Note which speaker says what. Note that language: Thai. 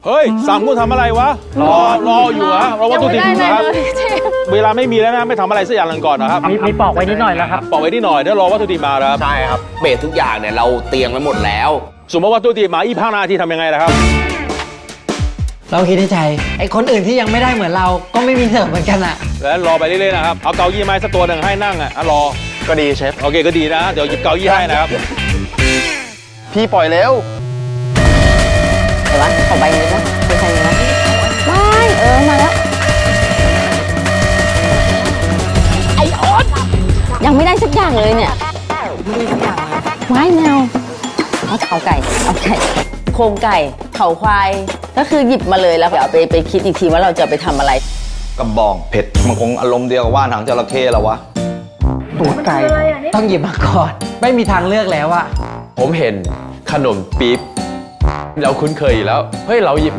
Speaker 1: เฮ้ยสามคุณทำอะไรวะรออยู่ฮะรอวัตถุดิบอยู่ครับเวลาไม่มีแล้วนะไม่ทำอะไรสักอย่างหนึ่งก่อนนะครับ
Speaker 2: มีปอกไว้นิดหน่อยแล้วครับ
Speaker 1: ปอกไว้นิดหน่อยเดี๋ยวรอวัตถุดิบมาครับ
Speaker 3: ใช่ครับเบสทุกอย่างเนี่ยเราเตรียมไว้หมดแล้ว
Speaker 1: สมมติว่าวัตถุดิบมา25 นาทีทำยังไงนะครับ
Speaker 4: เราคิดในใจไอ้คนอื่นที่ยังไม่ได้เหมือนเราก็ไม่มีเสิร์ฟเหมือนกันอะ
Speaker 1: แล้วรอไปเรื่อยๆนะครับเอาเก้าอี้ไม้สักตัวหนึ่งให้นั่งอ่ะรอ
Speaker 3: ก็ดีเชฟ
Speaker 1: โอเคก็ดีนะเดี๋ยวหยิบเก้าอี้ให้นะครับ
Speaker 3: พี่ปล่อยเร็ว
Speaker 5: เดี๋ยววะขอใบนี้นะเป็นใครนะว้ายมาแล้วไอโอ๊ตยังไม่ได้สักอย่างเลยเนี่ยไม่ได้สักอย่างว้ายแมวเอาไก่โครงไก่เขาควายก็คือหยิบมาเลยแล้วเดี๋ยวเอาไปคิดอีกทีว่าเราจะไปทำอะไร
Speaker 6: กระบองเผ็ดมันคงอารมณ์เดียวกับว่านหางจระเข้แล้ววะ
Speaker 4: ตูดไก่ต้องหยิบมาก่อน ไม่มีทางเลือกแล้วอะ
Speaker 7: ผมเห็นขนมปี๊บเราคุ้นเคยอยู่แล้ว เฮ้ย เราหยิบ